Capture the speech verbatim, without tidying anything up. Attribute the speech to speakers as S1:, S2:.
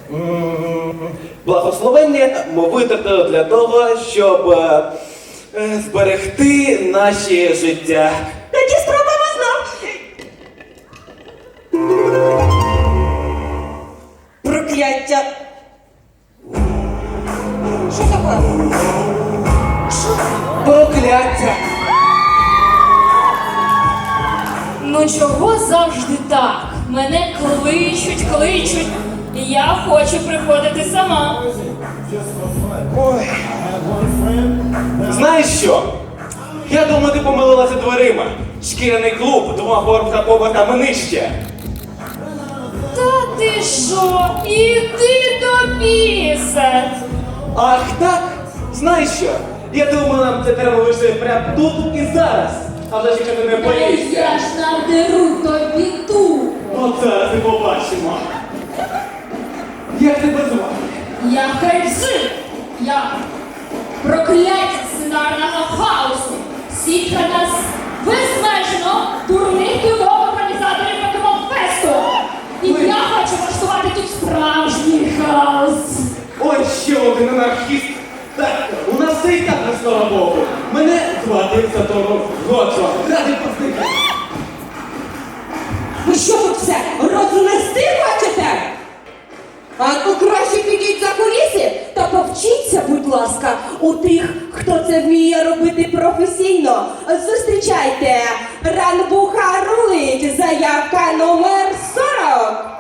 S1: Благословення ми витратили для того, щоб е, е, зберегти наші життя.
S2: Тоді спробуємо знов. Прокляття. Що таке? Що?
S1: Прокляття!
S3: Ну чого завжди так? Мене кличуть, кличуть. І я хочу приходити сама.
S1: Ой. Знаєш що? Я думаю, ти помилилася дверима. Шкіряний клуб двома поверхами нижче.
S3: Та ти що? Іди до біса!
S1: Ах так? Знаєш що? Я думаю, нам це треба лише прямо тут і зараз. А вже якщо ти не
S3: Та
S1: боїшся.
S3: я ж надеру тобі ту.
S1: От зараз і побачимо. Як тебе звати?
S3: Я Хельсин. Я прокляття сценарного хаосу. Сітка нас безмежно дурних кілок організаторів Покемон-фесту. І я хочу влаштувати тут справжній хаос.
S1: Ой, ще один анархіст. Так, у нас все і так на слава Богу. Мене звати Сатору Годжо. Радий познайомитися.
S2: Ви що тут все рознести хочете? А то краще підіть за куліси та повчіться, будь ласка, у тих, хто це вміє робити професійно. Зустрічайте, Ранбуха рулить, заявка номер сорок.